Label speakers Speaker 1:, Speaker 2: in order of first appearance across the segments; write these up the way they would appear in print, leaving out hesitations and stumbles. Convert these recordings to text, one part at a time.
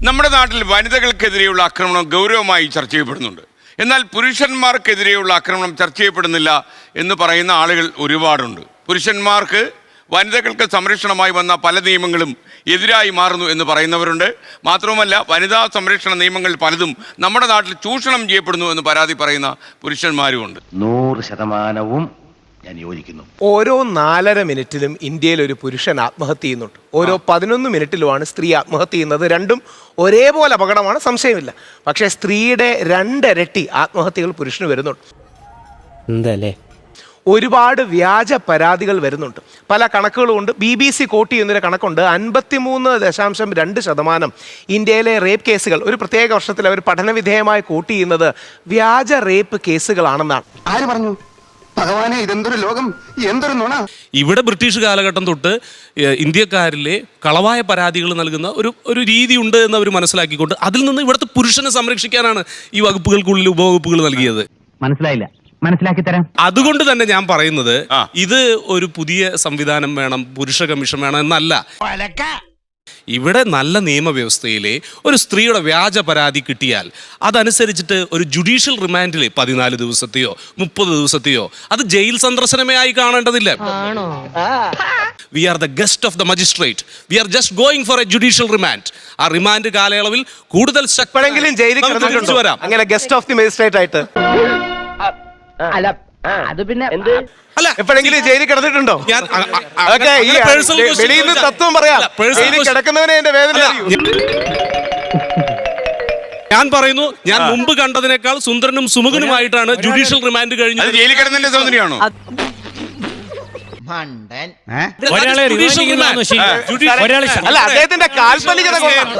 Speaker 1: നമ്മുടെ നാട്ടിൽ വനിതകൾക്കെതിരെയുള്ള ആക്രമണം ഗൗരവമായി ചർച്ച ചെയ്യപ്പെടുന്നുണ്ട്. എന്നാൽ പുരുഷന്മാർക്കെതിരെയുള്ള ആക്രമണം ചർച്ച ചെയ്യപ്പെടുന്നില്ല എന്ന് പറയുന്ന ആളുകൾ ഒരുപാടുണ്ട്. പുരുഷന്മാർക്ക് വനിതകൾക്ക് സംരക്ഷണമായി വന്ന പല നിയമങ്ങളും എതിരായി മാറുന്നു എന്ന് പറയുന്നവരുണ്ട്. മാത്രവുമല്ല, വനിതാ സംരക്ഷണ നിയമങ്ങൾ പലതും നമ്മുടെ നാട്ടിൽ ചൂഷണം ചെയ്യപ്പെടുന്നു എന്ന് പരാതി പറയുന്ന പുരുഷന്മാരുമുണ്ട്.
Speaker 2: 100% ഞാൻ യോജിക്കുന്നു.
Speaker 3: ഓരോ 4.5 മിനിറ്റിലും ഇന്ത്യയിൽ ഒരു പുരുഷൻ ആത്മഹത്യ ചെയ്യുന്നുണ്ട്. ഓരോ 11 മിനിറ്റിലുമാണ് സ്ത്രീ ആത്മഹത്യ ചെയ്യുന്നത്. രണ്ടും ഒരേപോലെ അപകടമാണ്, സംശയമില്ല. പക്ഷേ സ്ത്രീയുടെ 2 ഇരട്ടി ആത്മഹത്യകൾ പുരുഷന് വരുന്നുണ്ട്.
Speaker 4: എന്തല്ലേ?
Speaker 3: ഒരുപാട് വ്യാജ പരാതികൾ വരുന്നുണ്ട്. പല കണക്കുകളുമുണ്ട്. BBC കോട്ട് ചെയ്യുന്നൊരു കണക്കുണ്ട്. 53.2% ഇന്ത്യയിലെ റേപ്പ് കേസുകൾ ഒരു പ്രത്യേക വർഷത്തിൽ അവർ പഠനവിധേയമായി കോട്ട് ചെയ്യുന്നത് വ്യാജ റേപ്പ് കേസുകളാണെന്നാണ്.
Speaker 5: ആര് പറഞ്ഞു? ഭഗവാനെ, ഇതെന്തൊരു ലോകം, എന്തൊരു നുണ!
Speaker 6: ഇവിടെ ബ്രിട്ടീഷ് കാലഘട്ടം തൊട്ട് ഇന്ത്യക്കാരിലെ കളവായ പരാതികൾ നൽകുന്ന ഒരു രീതി ഉണ്ട് എന്ന് അവർ മനസ്സിലാക്കിക്കൊണ്ട് അതിൽ നിന്ന് ഇവിടുത്തെ പുരുഷനെ സംരക്ഷിക്കാനാണ് ഈ വകുപ്പുകൾക്കുള്ളിൽ ഉപവകുപ്പുകൾ നൽകിയത്.
Speaker 2: മനസ്സിലായില്ല, മനസ്സിലാക്കി തരാം.
Speaker 6: അതുകൊണ്ട് തന്നെ ഞാൻ പറയുന്നത് ഇത് ഒരു പുതിയ സംവിധാനം വേണം, പുരുഷ കമ്മീഷൻ വേണം എന്നല്ല. ഇവിടെ നല്ല നിയമവ്യവസ്ഥയിലെ ഒരു സ്ത്രീയുടെ വ്യാജ പരാതി കിട്ടിയാൽ അതനുസരിച്ചിട്ട് ഒരു ജുഡീഷ്യൽ റിമാൻഡിൽ 14 ദിവസത്തെയോ 30 ദിവസത്തെയോ അത് ജയിൽ സന്ദർശനമേ ആയി കാണേണ്ടതില്ല. We are the guest of the magistrate. We are just going for a judicial remand. ആ റിമാൻഡ് കാലയളവിൽ കൂടുതൽ
Speaker 3: എപ്പോഴെങ്കിലും ജയിലിൽ കിടന്നിട്ടുണ്ടോ
Speaker 6: വരാം
Speaker 3: അങ്ങനെ ഗസ്റ്റ് ഓഫ് ദി മജിസ്ട്രേറ്റ് ആയിട്ട്?
Speaker 2: അല്ല, അത് പിന്നെ
Speaker 6: അല്ല,
Speaker 3: എപ്പോഴെങ്കിലും ജയിലിൽ കിടന്നിട്ടുണ്ടോ? വെളിയിൽ നിന്ന് തത്വം പറയാം. ജയിലിൽ കിടക്കുന്നവനെ എന്റെ വേദന അറിയൂ.
Speaker 6: ഞാൻ പറയുന്നു, ഞാൻ മുമ്പ് കണ്ടതിനേക്കാൾ സുന്ദരനും സുമുഖനുമായിട്ടാണ് ജുഡീഷ്യൽ റിമാൻഡ് കഴിഞ്ഞത്.
Speaker 1: ജയിലിൽ കിടന്നതിന്റെ സൗന്ദര്യമാണോ?
Speaker 3: അല്ല, അദ്ദേഹത്തിന്റെ കാൽപ്പനികത കൊണ്ടാണ്.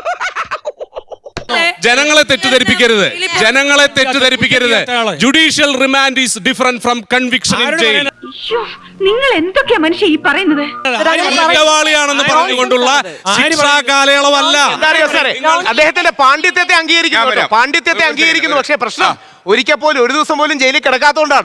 Speaker 6: ജനങ്ങളെ തെറ്റിദ്ധരിപ്പിക്കരുത്, ജനങ്ങളെ തെറ്റിദ്ധരിപ്പിക്കരുത്. Judicial remand is different from conviction in jail.
Speaker 7: നിങ്ങൾ എന്തൊക്കെയാ മനുഷ്യ ഈ പറയുന്നത്?
Speaker 6: കുറ്റവാളിയാണെന്ന് പറഞ്ഞുകൊണ്ടുള്ള ശിക്ഷാ കാലയളവല്ല.
Speaker 3: അദ്ദേഹത്തിന്റെ പാണ്ഡിത്യത്തെ അംഗീകരിക്കുന്നു, പാണ്ഡിത്യത്തെ അംഗീകരിക്കുന്നു. പക്ഷേ പ്രശ്നം ഒരിക്കൽ പോലും ഒരു ദിവസം പോലും ജയിലിൽ കിടക്കാത്തതുകൊണ്ടാണ്.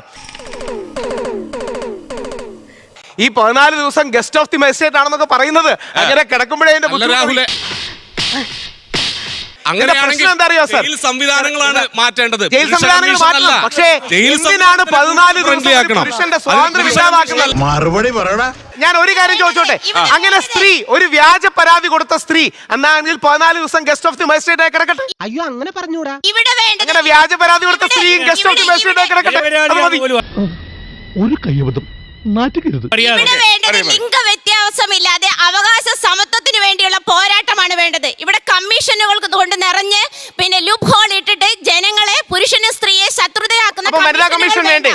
Speaker 3: ഈ 14 ദിവസം ഗസ്റ്റ് ഓഫ് ദി മജിസ്ട്രേറ്റ് ആണെന്നൊക്കെ പറയുന്നത് അങ്ങനെ കിടക്കുമ്പോഴേ
Speaker 6: രാഹുലെ അങ്ങനെയാണെങ്കിൽ ജയിൽ സംവിധാനങ്ങളാണ് മാറ്റേണ്ടത്.
Speaker 3: ജയിൽ സംവിധാനങ്ങൾ മാറ്റണം. പക്ഷേ എന്തിനാണ് 14 ദിവസം പുരുഷന്റെ സ്വാതന്ത്ര്യം ഇല്ലാതാക്കുന്നത്?
Speaker 5: മറുപടി പറയടാ.
Speaker 3: ഞാൻ ഒരു കാര്യം ചോദിച്ചോട്ടെ, അങ്ങനെ സ്ത്രീ ഒരു വ്യാജ പരാതി കൊടുത്ത സ്ത്രീ എന്നാണെങ്കിൽ 14 ദിവസം ഗസ്റ്റ് ഓഫ് ദി മജിസ്ട്രേറ്റ് ആയി കിടക്കട്ടെ.
Speaker 4: അയ്യോ, അങ്ങനെ പറഞ്ഞൂടാ.
Speaker 3: അങ്ങനെ വ്യാജ പരാതി കൊടുത്ത സ്ത്രീയും ഗസ്റ്റ് ഓഫ് ദി മജിസ്ട്രേറ്റ് ആയി കിടക്കട്ടെ.
Speaker 8: ഒരു കയ്യബദ്ധം നാറ്റുകരുത്.
Speaker 9: ലിംഗ വ്യത്യാസമില്ലാതെ അവകാശ സമത്വത്തിന് വേണ്ടിയുള്ള പോരാട്ടമാണ് വേണ്ടത്. ഇവിടെ കമ്മീഷനുകൾ കൊണ്ട് നിറഞ്ഞ് പിന്നെ ലൂപ്പ് ഹോൾ ഇട്ടിട്ട് ജനങ്ങളെ പുരുഷനും സ്ത്രീയെ ശത്രുതയാക്കുന്ന
Speaker 3: വനിതാ കമ്മീഷൻ വേണ്ടേ?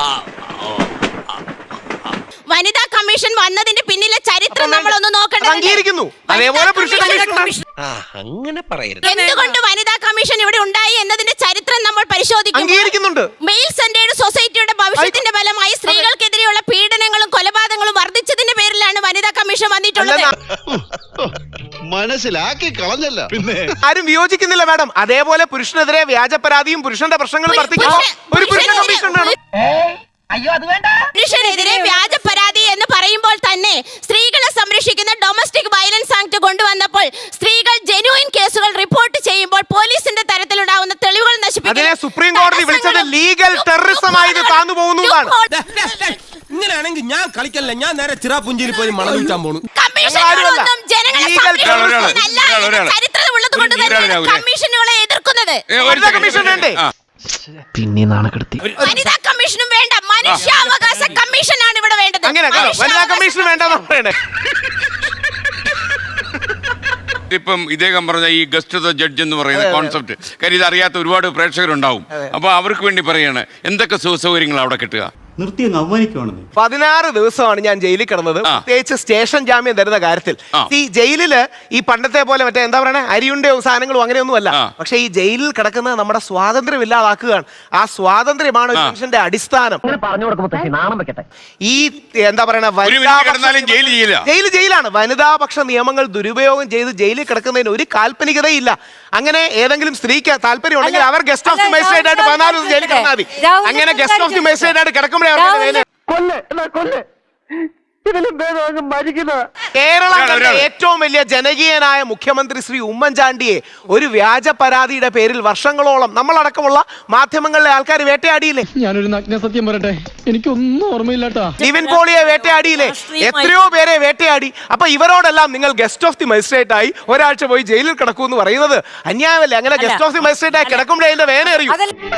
Speaker 9: വനിതാ കമ്മീഷൻ വന്നതിന്റെ പിന്നിലെ ചരിത്രം നമ്മളൊന്ന് നോക്കേണ്ടത്. എന്തുകൊണ്ട് വനിതാ കമ്മീഷൻ ഇവിടെ ഉണ്ടായി എന്നതിന്റെ ചരിത്രം നമ്മൾ പരിശോധിക്കുന്നുണ്ട്. മെയിൽ സെന്റേഡ് സൊസൈറ്റിയുടെ ഭവിഷ്യത്തിന്റെ ഫലമായി സ്ത്രീകൾക്കെതിരെയുള്ള പീഡനങ്ങളും കൊലപാതകങ്ങളും വർദ്ധിച്ചതിന്റെ പേരിലാണ് വനിതാ കമ്മീഷൻ വന്നിട്ടുള്ളത്.
Speaker 5: മനസ്സിലാക്കി കളഞ്ഞല്ല. പിന്നെ
Speaker 3: ആരും വിയോജിക്കുന്നില്ല മാഡം. അതേപോലെ പുരുഷനെതിരെ വ്യാജ പരാതിയും പുരുഷന്റെ പ്രശ്നങ്ങളും വർദ്ധിക്കുന്നു. ഒരു പുരുഷ കമ്മീഷൻ വേണം.
Speaker 9: പുരുഷനെതിരെ വ്യാജ പരാതി എന്ന് പറയുമ്പോൾ തന്നെ സ്ത്രീകളെ സംരക്ഷിക്കുന്ന ഡൊമസ്റ്റിക് വയലൻസ് ആക്ട് കൊണ്ടുവന്നപ്പോൾ സ്ത്രീകൾ ജെന്യൂയിൻ കേസുകൾ റിപ്പോർട്ട് ചെയ്യുമ്പോൾ പോലീസിന്റെ തരത്തിലുണ്ടാവുന്ന തെളിവുകൾ നശിപ്പിക്കാൻ
Speaker 3: സുപ്രീം കോടതി വിളിച്ചത് ലീഗൽ ടെററിസമായി താന്നു പോകുന്നതാണ്.
Speaker 4: ഇങ്ങനെയാണെങ്കിൽ ഞാൻ കളിക്കല്ല, ഞാൻ നേരെ ചിറാപുഞ്ചിയിൽ പോയി മണം വിൽക്കാൻ പോണു.
Speaker 9: കമ്മീഷനുകളെ എതിർക്കുന്നത്
Speaker 4: പിന്നെ നാണക്കെടുത്തി.
Speaker 9: വനിതാ കമ്മീഷനും വേണ്ട, മനുഷ്യാവകാശ കമ്മീഷനാണ് ഇവിടെ വേണ്ടത്.
Speaker 3: വനിതാ കമ്മീഷൻ വേണ്ടെന്ന് പറയണേ.
Speaker 1: ഇപ്പം ഇദ്ദേഹം പറഞ്ഞ ഈ ഗസ്റ്റ് ഓഫ് ദ ജഡ്ജ് എന്ന് പറയുന്ന കോൺസെപ്റ്റ്, കാര്യം ഇത് അറിയാത്ത ഒരുപാട് പ്രേക്ഷകരുണ്ടാവും. അപ്പൊ അവർക്ക് വേണ്ടി പറയാണ്, എന്തൊക്കെ സുഖസൗകര്യങ്ങൾ അവിടെ കിട്ടുക?
Speaker 3: 16 ദിവസമാണ് ഞാൻ ജയിലിൽ കിടന്നത്, പ്രത്യേകിച്ച് സ്റ്റേഷൻ ജാമ്യം തരുന്ന കാര്യത്തിൽ. ഈ ജയിലില് ഈ പണ്ടത്തെ പോലെ മറ്റേ എന്താ പറയണേ, അരിയുണ്ടയോ സാധനങ്ങളും അങ്ങനെയൊന്നും അല്ല. പക്ഷെ ഈ ജയിലിൽ കിടക്കുന്നത് നമ്മുടെ സ്വാതന്ത്ര്യം ഇല്ലാതാക്കുകയാണ്. ആ സ്വാതന്ത്ര്യമാണ് ഒരു മനുഷ്യന്റെ അടിസ്ഥാനം. ഈ എന്താ പറയണ ജയിലാണ്. വനിതാപക്ഷ നിയമങ്ങൾ ദുരുപയോഗം ചെയ്ത് ജയിലിൽ കിടക്കുന്നതിന് ഒരു കാൽപ്പനികതയില്ല. അങ്ങനെ ഏതെങ്കിലും സ്ത്രീക്ക് താല്പര്യം ഉണ്ടെങ്കിൽ അവർ ഗസ്റ്റ് ഓഫ് ദി മജിസ്ട്രേറ്റ് ആയിട്ട് 14 ദിവസം ജയിലിൽ കിടന്നാൽ മതി. അങ്ങനെ ഗസ്റ്റ് ഓഫ് ദി മജിസ്ട്രേറ്റ് ആയിട്ട് കിടക്കുമ്പോൾ കേരളം കണ്ട ഏറ്റവും വലിയ ജനകീയനായ മുഖ്യമന്ത്രി ശ്രീ ഉമ്മൻചാണ്ടിയെ ഒരു വ്യാജ പരാതിയുടെ പേരിൽ വർഷങ്ങളോളം നമ്മളടക്കമുള്ള മാധ്യമങ്ങളിലെ ആൾക്കാർ വേട്ടയാടിയില്ലേ?
Speaker 8: ഞാനൊരു നഗ്ന സത്യം പറയട്ടെ, എനിക്കൊന്നും ഓർമ്മയില്ലാട്ടാ.
Speaker 3: നിവിൻ പോളിയെ വേട്ടയാടിയില്ലേ? എത്രയോ പേരെ വേട്ടയാടി. അപ്പൊ ഇവരോടെല്ലാം നിങ്ങൾ ഗസ്റ്റ് ഓഫ് ദി മജിസ്ട്രേറ്റ് ആയി ഒരാഴ്ച പോയി ജയിലിൽ കിടക്കൂ എന്ന് പറയുന്നത് അന്യായമല്ലേ? അങ്ങനെ ഗസ്റ്റ് ഓഫ് ദി മജിസ്ട്രേറ്റ് ആയി കിടക്കുമ്പോഴേ അതിന്റെ വേന അറിയൂ.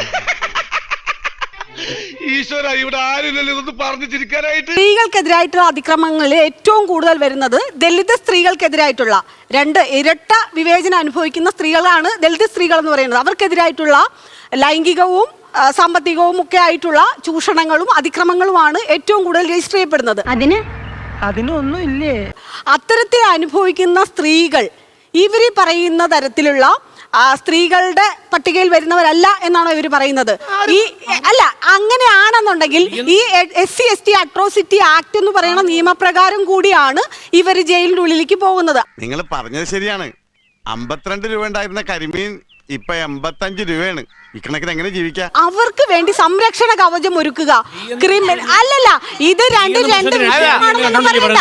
Speaker 8: ഈശ്വര, ഇവിടെ ആരുമില്ലല്ലോ ഇതൊന്ന് പറഞ്ഞു ചിരിക്കാനായിട്ട്.
Speaker 10: സ്ത്രീകൾക്കെതിരായിട്ടുള്ള അതിക്രമങ്ങളിൽ ഏറ്റവും കൂടുതൽ വരുന്നത് ദളിത് സ്ത്രീകൾക്കെതിരായിട്ടുള്ള ഇരട്ട വിവേചനം അനുഭവിക്കുന്ന സ്ത്രീകളാണ് ദളിത് സ്ത്രീകൾ എന്ന് പറയുന്നത്. അവർക്കെതിരായിട്ടുള്ള ലൈംഗികവും സാമ്പത്തികവും ഒക്കെ ആയിട്ടുള്ള ചൂഷണങ്ങളും അതിക്രമങ്ങളുമാണ് ഏറ്റവും കൂടുതൽ രജിസ്റ്റർ ചെയ്യപ്പെടുന്നത്.
Speaker 2: അതിനൊന്നും ഇല്ലേ?
Speaker 10: അത്തരത്തിൽ അനുഭവിക്കുന്ന സ്ത്രീകൾ ഇവര് പറയുന്ന തരത്തിലുള്ള സ്ത്രീകളുടെ പട്ടികയിൽ വരുന്നവരല്ല എന്നാണോ ഇവർ പറയുന്നത്? അല്ല, അങ്ങനെയാണെന്നുണ്ടെങ്കിൽ ഈ SC/ST അട്രോസിറ്റി ആക്ട് എന്ന് പറയുന്ന നിയമപ്രകാരം കൂടിയാണ് ഇവർ ജയിലിന്റെ ഉള്ളിലേക്ക് പോകുന്നത്.
Speaker 5: നിങ്ങൾ പറഞ്ഞത് ശരിയാണ്. 52 രൂപ ഉണ്ടായിരുന്ന കരിമീൻ ഇപ്പൊ 85 രൂപയാണ്. ഇക്കണക്കിന് എങ്ങനെ ജീവിക്കാം?
Speaker 10: അവർക്ക് വേണ്ടി സംരക്ഷണ കവചം ഒരുക്കുക. ക്രിമിനൽ അല്ലല്ല, ഇത് രണ്ട് വിഷയമാണെന്നൊന്നും പറയണ്ട.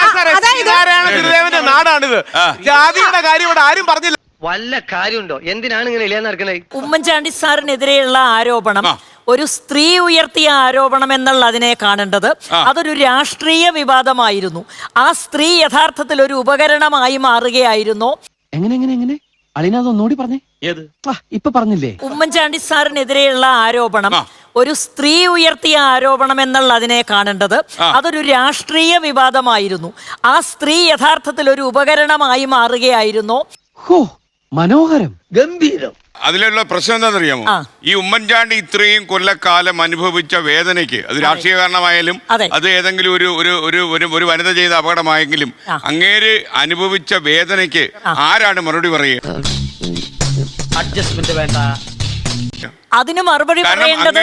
Speaker 3: അതായത് നാടാണിത്. ജാതിയുടെ കാര്യം ഇവിടെ ആരും പറഞ്ഞില്ല.
Speaker 2: വല്ല കാര്യമുണ്ടോ? എന്തിനാണ് ഇങ്ങനെ ഇല്ലാന്ന് നടക്കണേ?
Speaker 11: ഉമ്മൻചാണ്ടി സാറിനെതിരെയുള്ള ആരോപണം ഒരു സ്ത്രീ ഉയർത്തിയ ആരോപണം എന്നുള്ള അതിനെ കാണേണ്ടത്. അതൊരു രാഷ്ട്രീയ വിവാദമായിരുന്നു. ആ സ്ത്രീ യഥാർത്ഥത്തിൽ ഒരു ഉപകരണമായി മാറുകയായിരുന്നു.
Speaker 2: എങ്ങനെ അളിനൊന്നുകൂടി പറഞ്ഞേ. ഏത് ഇപ്പൊ പറഞ്ഞില്ലേ?
Speaker 11: ഉമ്മൻചാണ്ടി സാറിനെതിരെയുള്ള ആരോപണം ഒരു സ്ത്രീ ഉയർത്തിയ ആരോപണം എന്നുള്ള അതിനെ കാണേണ്ടത്. അതൊരു രാഷ്ട്രീയ വിവാദമായിരുന്നു. ആ സ്ത്രീ യഥാർത്ഥത്തിൽ ഒരു ഉപകരണമായി മാറുകയായിരുന്നു.
Speaker 2: മനോഹരം, ഗംഭീരം.
Speaker 1: അതിലുള്ള പ്രശ്നം എന്താണെന്നറിയാമോ? ഈ ഉമ്മൻചാണ്ടി ഇത്രയും കൊല്ലക്കാലം അനുഭവിച്ച വേദനയ്ക്ക്, അത് രാഷ്ട്രീയ കാരണമായാലും അത് ഏതെങ്കിലും ഒരു വനിത ചെയ്ത അപകടമായെങ്കിലും അങ്ങേര് അനുഭവിച്ച വേദനയ്ക്ക് ആരാണ് മറുപടി പറയുക?
Speaker 2: അഡ്ജസ്റ്റ്മെന്റ് വേണ്ട.
Speaker 11: അതിന് മറുപടി പറയേണ്ടത്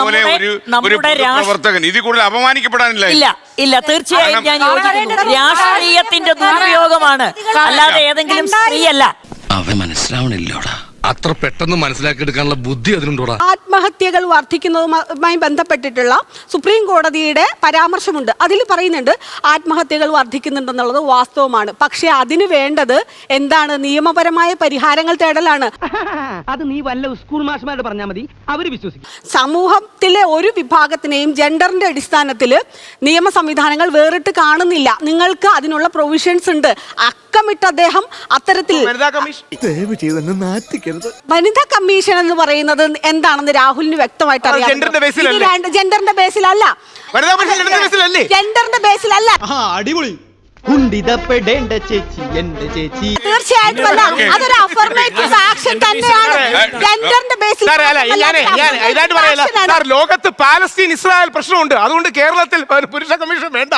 Speaker 1: പ്രവർത്തകൻ ഇതിൽ കൂടുതൽ അപമാനിക്കപ്പെടാനില്ല.
Speaker 11: ഇല്ല, തീർച്ചയായും ഞാൻ യോജിക്കുന്നു. രാഷ്ട്രീയത്തിന്റെ ദുരുപയോഗമാണ്, അല്ലാതെ ഏതെങ്കിലും സ്ത്രീയല്ല.
Speaker 2: അവൻ മനസ്സിലാവണില്ലോടാ.
Speaker 6: അത്ര പെട്ടെന്ന് മനസ്സിലാക്കിയെടുക്കാനുള്ള ബുദ്ധി അതിനുണ്ടോടാ.
Speaker 10: ആത്മഹത്യകൾ വർദ്ധിക്കുന്നതുമായി ബന്ധപ്പെട്ടിട്ടുള്ള സുപ്രീം കോടതിയുടെ പരാമർശമുണ്ട്. അതിൽ പറയുന്നുണ്ട് ആത്മഹത്യകൾ വർദ്ധിക്കുന്നുണ്ടെന്നുള്ളത് വാസ്തവമാണ്. പക്ഷെ അതിന് വേണ്ടത് എന്താണ്? നിയമപരമായ പരിഹാരങ്ങൾ തേടലാണ്.
Speaker 2: അത് നീ വല്ല സ്കൂൾ മാഷ്മാരോട് പറഞ്ഞാൽ മതി, അവര് വിശ്വസിക്കും.
Speaker 10: സമൂഹത്തിലെ ഒരു വിഭാഗത്തിനെയും ജെൻഡറിന്റെ അടിസ്ഥാനത്തിൽ നിയമ സംവിധാനങ്ങൾ വേറിട്ട് കാണുന്നില്ല. നിങ്ങൾക്ക് അതിനുള്ള പ്രൊവിഷൻസ് ഉണ്ട്. അക്കമിട്ട് അദ്ദേഹം അത്തരത്തിൽ വനിതാ കമ്മീഷൻ എന്ന് പറയുന്നത് എന്താണെന്ന് രാഹുലിന് വ്യക്തമായിട്ട് അറിയാം. ജെൻഡറിന്റെ ബേസിലല്ല. ജെൻഡറിന്റെ ബേസിലല്ല.
Speaker 8: അടിപൊളി.
Speaker 2: കുണ്ടിതപ്പെടേണ്ട ചേച്ചി എന്റെ ചേച്ചി.
Speaker 10: തീർച്ചയായിട്ടും അല്ല, അതൊരു അഫർമേറ്റീവ് ആക്ഷൻ തന്നെയാണ്. ജെൻഡറിന്റെ ബേസിൽ
Speaker 3: ലോകത്ത് പാലസ്തീൻ ഇസ്രായേൽ പ്രശ്നമുണ്ട്. അതുകൊണ്ട് കേരളത്തിൽ പുരുഷ കമ്മീഷൻ വേണ്ട.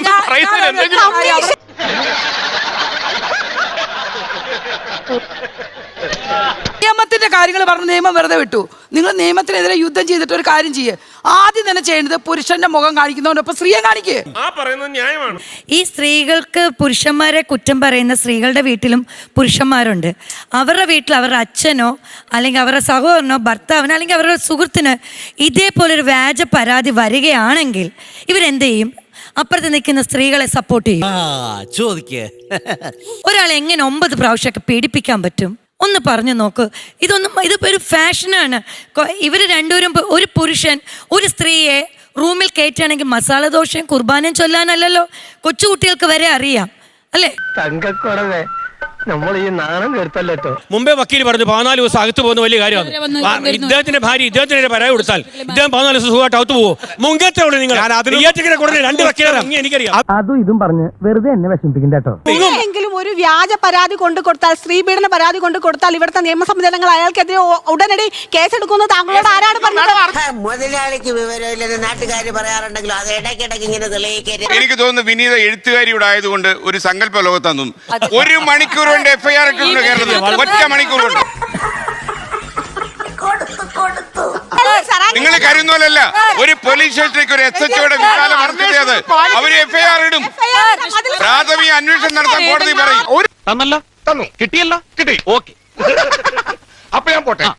Speaker 7: നിയമത്തിന്റെ കാര്യങ്ങൾ പറഞ്ഞ് നിയമം വെറുതെ വിട്ടു. നിങ്ങൾ നിയമത്തിനെതിരെ യുദ്ധം ചെയ്തിട്ട് ഒരു കാര്യം ചെയ്യേ. ആദ്യം തന്നെ ചെയ്യേണ്ടത് പുരുഷന്റെ മുഖം കാണിക്കുന്നവനൊപ്പം സ്ത്രീയെ കാണിക്കേ.
Speaker 11: ഈ സ്ത്രീകൾക്ക് പുരുഷന്മാരെ കുറ്റം പറയുന്ന സ്ത്രീകളുടെ വീട്ടിലും പുരുഷന്മാരുണ്ട്. അവരുടെ വീട്ടിൽ അവരുടെ അച്ഛനോ അല്ലെങ്കിൽ അവരുടെ സഹോദരനോ ഭർത്താവിനോ അല്ലെങ്കിൽ അവരുടെ സുഹൃത്തിനോ ഇതേപോലൊരു വ്യാജ പരാതി വരികയാണെങ്കിൽ ഇവരെന്ത് ചെയ്യും? അപ്പുറത്ത് നിൽക്കുന്ന സ്ത്രീകളെ സപ്പോർട്ട് ചെയ്യും. ഒരാളെ എങ്ങനെ 9 പ്രാവശ്യമൊക്കെ പീഡിപ്പിക്കാൻ പറ്റും? ഒന്ന് പറഞ്ഞു നോക്ക്. ഇതിപ്പോ ഒരു ഫാഷനാണ്. ഇവര് രണ്ടുപേരും, ഒരു പുരുഷൻ ഒരു സ്ത്രീയെ റൂമിൽ കയറ്റുകയാണെങ്കിൽ മസാല ദോശയും കുർബാനയും ചൊല്ലാനല്ലല്ലോ, കൊച്ചുകുട്ടികൾക്ക് വരെ അറിയാം അല്ലേ?
Speaker 2: തങ്കക്കുറവേ, നമ്മൾ ഈ നാണം കേട്ടല്ലോ.
Speaker 4: മുമ്പേ വക്കീൽ പറഞ്ഞു 14 ദിവസം അകത്ത് പോകുന്ന വലിയ കാര്യമാണ്. ഇദ്ദേഹത്തിന്റെ ഭാര്യ ഇദ്ദേഹത്തിന് പരാതി കൊടുത്താൽ ഇദ്ദേഹം 14 ദിവസം സുഖമായിട്ട് അകത്ത് പോകും. മുങ്കത്തെ ഉള്ളൂ നിങ്ങൾ. രണ്ട് വക്കീലാണ് എനിക്കറിയാം.
Speaker 2: അതും ഇതും പറഞ്ഞ് വെറുതെ എന്നെ വിഷമിപ്പിക്കണ്ട കേട്ടോ.
Speaker 10: എങ്കിലും ഒരു വ്യാജ പരാതി കൊണ്ട് കൊടുത്താൽ, സ്ത്രീ പീഡന പരാതി കൊണ്ട് കൊടുത്താൽ ഇവിടുത്തെ നിയമ സംവിധാനങ്ങൾ അയാൾക്കെതിരെ ഉടനടി കേസെടുക്കുന്നത് താങ്കളോട് ആരാണ് പറഞ്ഞത്?
Speaker 11: മുതലാളിക്ക് വിവരമില്ലെന്ന് നാട്ടുകാർ പറയാറുണ്ടെങ്കിലും അത് ഇടയ്ക്കിടയ്ക്ക് ഇങ്ങനെ തെളിയിക്കരുത്.
Speaker 1: എനിക്ക് തോന്നുന്നു വിനീത എഴുത്തുകാരിയുടെ ആയതുകൊണ്ട് ഒരു സങ്കല്പ ലോകത്താന്നും 1 മണിക്കൂർ കൊണ്ട് FIR ഇട്ടിട്ടുണ്ട് കേരളത്തിൽ. 1 മണിക്കൂർ കൊണ്ട്. നിങ്ങൾ കരുന്നോലല്ല, ഒരു പോലീസ് സ്റ്റേഷനിലേക്ക് ഒരു SHOയുടെ വിശാല മറുപടി അവര് FIR ഇടും. പ്രാഥമിക അന്വേഷണം നടത്താൻ കോടതി പറയും.
Speaker 8: തന്നല്ലോ, തന്നു, കിട്ടിയല്ലോ, കിട്ടി, ഓക്കെ. അപ്പൊ ഞാൻ പോട്ടെ.